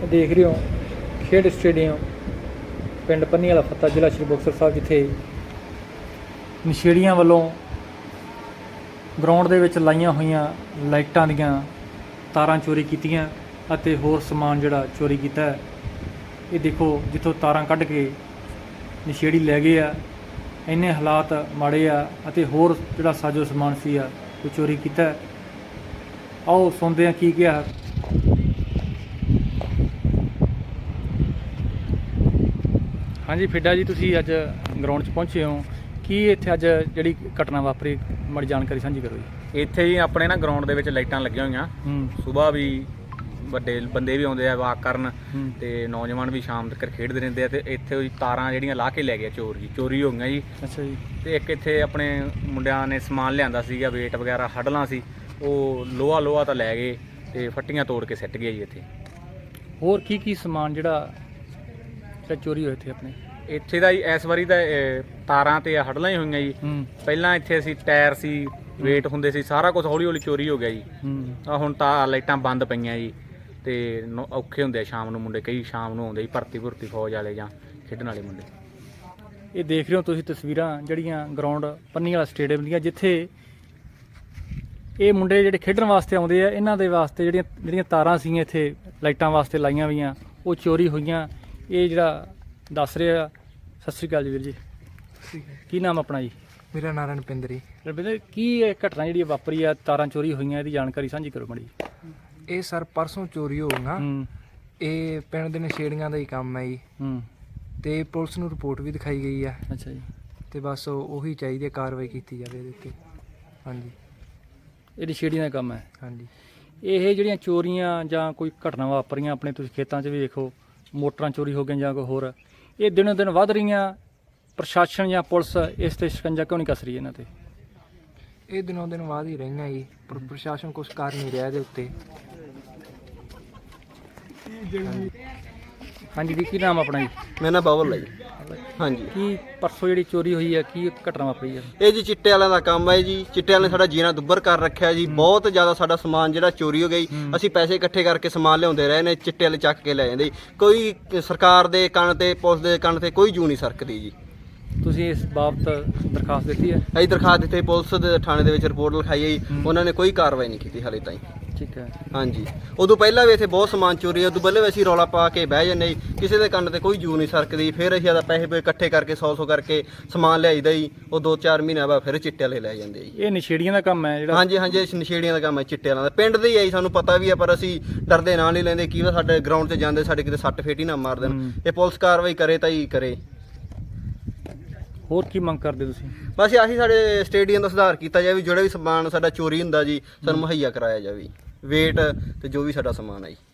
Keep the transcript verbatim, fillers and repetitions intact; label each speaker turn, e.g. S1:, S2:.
S1: देख रहे हो खेड स्टेडियम पिंड पन्नी वाला फत्ता जिला श्री मुक्तसर साहब, जिथे नशेड़ियां वालों ग्राउंड दे विच लाइयां होईयां लाइटां दीयां तारां चोरी कीतियां अते होर समान जिहड़ा चोरी कीता है। ये देखो जिथों तारां कढ के नशेड़ी लै गए आ, इन्ने हालात माड़े आ अते होर जिहड़ा साजो समान सी आ वो चोरी कीता है। आओ सुनते हैं की क्या। हाँ जी फिड्डा जी, तुसी अज ग्राउंड च पहुंचे हो, की इत्थे अज जिहड़ी घटना वापरी माड़ी जानकारी साझी करो जी।
S2: ਇੱਥੇ ਹੀ ਆਪਣੇ ਨਾ ਗਰਾਊਂਡ ਦੇ ਵਿੱਚ ਲਾਈਟਾਂ ਲੱਗੀਆਂ ਹੋਈਆਂ, ਸਵੇਰ ਵੀ ਵੱਡੇ ਬੰਦੇ ਵੀ ਆਉਂਦੇ ਆ ਵਾਕ ਕਰਨ ਤੇ ਨੌਜਵਾਨ ਵੀ ਸ਼ਾਮ ਤੱਕ ਖੇਡਦੇ ਰਹਿੰਦੇ ਆ ਤੇ ਇੱਥੇ ਉਹ ਤਾਰਾਂ ਜਿਹੜੀਆਂ ਲਾ ਕੇ ਲੈ ਗਏ ਚੋਰ ਜੀ, ਚੋਰੀ ਹੋ ਗਈਆਂ ਜੀ।
S1: ਅੱਛਾ ਜੀ।
S2: ਤੇ ਇੱਕ ਇੱਥੇ ਆਪਣੇ ਮੁੰਡਿਆਂ ਨੇ ਸਮਾਨ ਲਿਆਂਦਾ ਸੀਗਾ, ਵੇਟ ਵਗੈਰਾ ਹੱਡਲਾਂ ਸੀ, ਉਹ ਲੋਹਾ ਲੋਹਾ ਤਾਂ ਲੈ ਗਏ ਤੇ ਫੱਟੀਆਂ ਤੋੜ ਕੇ ਸਿੱਟ ਗਏ ਜੀ। ਇੱਥੇ
S1: ਹੋਰ ਕੀ ਕੀ ਸਮਾਨ ਜਿਹੜਾ ਜਿਹੜਾ ਚੋਰੀ ਹੋਇਆ ਇੱਥੇ ਆਪਣੇ
S2: ਇੱਥੇ ਦਾ ਜੀ ਇਸ ਵਾਰੀ ਤਾਂ ਤਾਰਾਂ ਤੇ ਹੱਡਲਾਂ ਹੀ ਹੋਈਆਂ ਜੀ। ਪਹਿਲਾਂ ਇੱਥੇ ਅਸੀਂ ਟਾਇਰ ਸੀ, ਵੇਟ ਹੁੰਦੇ ਸੀ, ਸਾਰਾ ਕੁਝ ਹੌਲੀ ਹੌਲੀ ਚੋਰੀ ਹੋ ਗਿਆ ਜੀ। ਆ ਹੁਣ ਤਾਂ ਲਾਈਟਾਂ ਬੰਦ ਪਈਆਂ ਜੀ ਤੇ ਔਖੇ ਹੁੰਦੇ ਆ ਸ਼ਾਮ ਨੂੰ ਮੁੰਡੇ, ਕਈ ਸ਼ਾਮ ਨੂੰ ਆਉਂਦੇ ਜੀ ਭਰਤੀ ਭੁਰਤੀ ਫੌਜ ਵਾਲੇ ਜਾਂ ਖੇਡਣ ਵਾਲੇ ਮੁੰਡੇ।
S1: ਇਹ ਦੇਖ ਰਹੇ ਹੋ ਤੁਸੀਂ ਤਸਵੀਰਾਂ ਜਿਹੜੀਆਂ ਗਰਾਊਂਡ ਪੰਨੀ ਵਾਲਾ ਸਟੇਡੀਅਮ ਦੀਆਂ, ਜਿੱਥੇ ਇਹ ਮੁੰਡੇ ਜਿਹੜੇ ਖੇਡਣ ਵਾਸਤੇ ਆਉਂਦੇ ਆ, ਇਹਨਾਂ ਦੇ ਵਾਸਤੇ ਜਿਹੜੀਆਂ ਜਿਹੜੀਆਂ ਤਾਰਾਂ ਸੀਗੀਆਂ ਇੱਥੇ ਲਾਈਟਾਂ ਵਾਸਤੇ ਲਾਈਆਂ ਹੋਈਆਂ ਉਹ ਚੋਰੀ ਹੋਈਆਂ। ਇਹ ਜਿਹੜਾ ਦੱਸ ਰਿਹਾ। ਸਤਿ ਸ਼੍ਰੀ ਅਕਾਲ ਜੀ ਵੀਰ ਜੀ, ਕੀ ਨਾਮ ਆਪਣਾ ਜੀ?
S3: ਮੇਰਾ ਨਾਂ ਰਣਪਿੰਦਰ ਜੀ।
S1: ਰਣਪਿੰਦਰ, ਕੀ ਇਹ ਘਟਨਾ ਜਿਹੜੀ ਵਾਪਰੀ ਆ, ਤਾਰਾਂ ਚੋਰੀ ਹੋਈਆਂ, ਇਹਦੀ ਜਾਣਕਾਰੀ ਸਾਂਝੀ ਕਰੋ ਮਾੜੀ।
S3: ਇਹ ਸਰ ਪਰਸੋਂ ਚੋਰੀ ਹੋ ਗਈਆਂ। ਇਹ ਪਿੰਡ ਦੇ ਨਸ਼ੇੜੀਆਂ ਦਾ ਹੀ ਕੰਮ ਹੈ ਜੀ। ਤੇ ਪੁਲਿਸ ਨੂੰ ਰਿਪੋਰਟ ਵੀ ਦਿਖਾਈ ਗਈ ਆ।
S1: ਅੱਛਾ ਜੀ।
S3: ਤੇ ਬਸ ਉਹੀ ਚਾਹੀਦੀ ਹੈ, ਕਾਰਵਾਈ ਕੀਤੀ ਜਾਵੇ ਇਹਦੇ ਉੱਤੇ। ਹਾਂਜੀ,
S1: ਇਹ ਨਸ਼ੇੜੀਆਂ ਦਾ ਕੰਮ ਹੈ।
S3: ਹਾਂਜੀ।
S1: ਇਹ ਜਿਹੜੀਆਂ ਚੋਰੀਆਂ ਜਾਂ ਕੋਈ ਘਟਨਾ ਵਾਪਰੀਆਂ ਆਪਣੇ ਤੁਸੀਂ ਖੇਤਾਂ 'ਚ ਵੀ ਵੇਖੋ, ਮੋਟਰਾਂ ਚੋਰੀ ਹੋ ਗਈਆਂ ਜਾਂ ਕੋਈ ਹੋਰ, ਇਹ ਦਿਨੋਂ ਦਿਨ ਵੱਧ ਰਹੀਆਂ, ਪ੍ਰਸ਼ਾਸਨ ਜਾਂ ਪੁਲਿਸ ਇਸ 'ਤੇ ਸ਼ਿਕੰਜਾ ਕਿਉਂ ਨਹੀਂ ਕੱਸ ਰਹੀ ਇਹਨਾਂ 'ਤੇ?
S3: ਇਹ ਦਿਨੋਂ ਦਿਨ ਬਾਅਦ ਹੀ ਰਹੀਆਂ ਜੀ, ਪਰ ਪ੍ਰਸ਼ਾਸਨ ਕੁਛ ਕਰ ਨਹੀਂ ਰਿਹਾ ਇਹਦੇ ਉੱਤੇ।
S1: ਹਾਂਜੀ ਜੀ, ਕੀ ਨਾਮ ਆਪਣਾ ਜੀ?
S4: ਮੇਰਾ ਨਾਮ ਬਾਬਲ ਹੈ ਜੀ। ਹਾਂਜੀ।
S1: ਕੀ ਪਰਸੋਂ ਜਿਹੜੀ ਚੋਰੀ ਹੋਈ ਹੈ, ਕੀ ਘਟਨਾ ਵਾਪਰੀ ਹੈ?
S4: ਇਹ ਜੀ ਚਿੱਟੇ ਵਾਲਿਆਂ ਦਾ ਕੰਮ ਹੈ ਜੀ। ਚਿੱਟੇ ਵਾਲਿਆਂ ਨੇ ਸਾਡਾ ਜੀਣਾ ਦੁੱਬਰ ਕਰ ਰੱਖਿਆ ਜੀ। ਬਹੁਤ ਜ਼ਿਆਦਾ ਸਾਡਾ ਸਮਾਨ ਜਿਹੜਾ ਚੋਰੀ ਹੋ ਗਈ। ਅਸੀਂ ਪੈਸੇ ਇਕੱਠੇ ਕਰਕੇ ਸਮਾਨ ਲਿਆਉਂਦੇ ਰਹੇ ਨੇ, ਚਿੱਟੇ ਵਾਲੇ ਚੱਕ ਕੇ ਲੈ ਜਾਂਦੇ। ਕੋਈ ਸਰਕਾਰ ਦੇ ਕੰਨ ਤੇ ਪੁਲਿਸ ਦੇ ਕੰਨ ਤੇ ਕੋਈ ਜੂ ਨਹੀਂ ਸਰਕਦੀ ਜੀ।
S1: ਤੁਸੀਂ ਇਸ ਬਾਬਤ ਦਰਖਾਸਤ ਦਿੱਤੀ ਹੈ?
S4: ਅਸੀਂ ਦਰਖਾਸਤ ਦਿੱਤੀ, ਪੁਲਿਸ ਦੇ ਥਾਣੇ ਦੇ ਵਿੱਚ ਰਿਪੋਰਟ ਲਿਖਾਈ ਹੈ ਜੀ। ਉਹਨਾਂ ਨੇ ਕੋਈ ਕਾਰਵਾਈ ਨਹੀਂ ਕੀਤੀ ਹਾਲੇ ਤਾਈਂ।
S1: ਠੀਕ ਹੈ। ਹਾਂਜੀ।
S4: ਉਦੋਂ ਪਹਿਲਾਂ ਵੀ ਇੱਥੇ ਬਹੁਤ ਸਮਾਨ ਚੋਰੀ, ਉਦੋਂ ਪਹਿਲਾਂ ਵੀ ਅਸੀਂ ਰੌਲਾ ਪਾ ਕੇ ਬਹਿ ਜਾਂਦੇ ਜੀ, ਕਿਸੇ ਦੇ ਕੰਨ ਤੇ ਕੋਈ ਜੂ ਨਹੀਂ ਸਰਕਦੀ। ਫਿਰ ਅਸੀਂ ਆਦਾ ਪੈਸੇ ਇਕੱਠੇ ਕਰਕੇ ਸੌ ਸੌ ਕਰਕੇ ਸਮਾਨ ਲਿਆਈਦਾ ਜੀ। ਉਹ ਦੋ ਚਾਰ ਮਹੀਨੇ ਬਾਅਦ ਫਿਰ ਚਿੱਟੇ ਵਾਲੇ ਲੈ ਜਾਂਦੇ ਜੀ।
S1: ਇਹ ਨਸ਼ੇੜੀਆਂ ਦਾ ਕੰਮ ਹੈ ਜਿਹੜਾ?
S4: ਹਾਂਜੀ ਹਾਂਜੀ, ਨਸ਼ੇੜੀਆਂ ਦਾ ਕੰਮ ਹੈ, ਚਿੱਟੇ ਵਾਲਿਆਂ ਦਾ। ਪਿੰਡ ਦੇ ਹੀ ਹੈ ਜੀ, ਸਾਨੂੰ ਪਤਾ ਵੀ ਹੈ, ਪਰ ਅਸੀਂ ਡਰਦੇ ਨਾਂ ਨਹੀਂ ਲੈਂਦੇ। ਕੀ ਵਾ ਸਾਡੇ ਗਰਾਊਂਡ 'ਤੇ ਜਾਂਦੇ ਸਾਡੇ ਕਿਤੇ ਸੱਟ ਫੇਟ ਹੀ ਨਾ ਮਾਰ ਦੇਣ। ਇਹ ਪੁਲਿਸ ਕਾਰਵਾਈ ਕਰੇ ਤਾਂ ਹੀ ਕਰੇ।
S1: ਹੋਰ ਕੀ ਮੰਗ ਕਰਦੇ ਤੁਸੀਂ?
S4: ਬਸ ਆਹੀ, ਸਾਡੇ ਸਟੇਡੀਅਮ ਦਾ ਸੁਧਾਰ ਕੀਤਾ ਜਾਵੇ, ਜਿਹੜਾ ਵੀ ਸਮਾਨ ਸਾਡਾ ਚੋਰੀ ਹੁੰਦਾ ਜੀ ਸਾਨੂੰ ਮੁਹੱਈਆ ਕਰਾਇਆ ਜਾਵੇ, ਵੇਟ ਤੇ ਜੋ ਵੀ ਸਾਡਾ ਸਮਾਨ ਹੈ ਜੀ।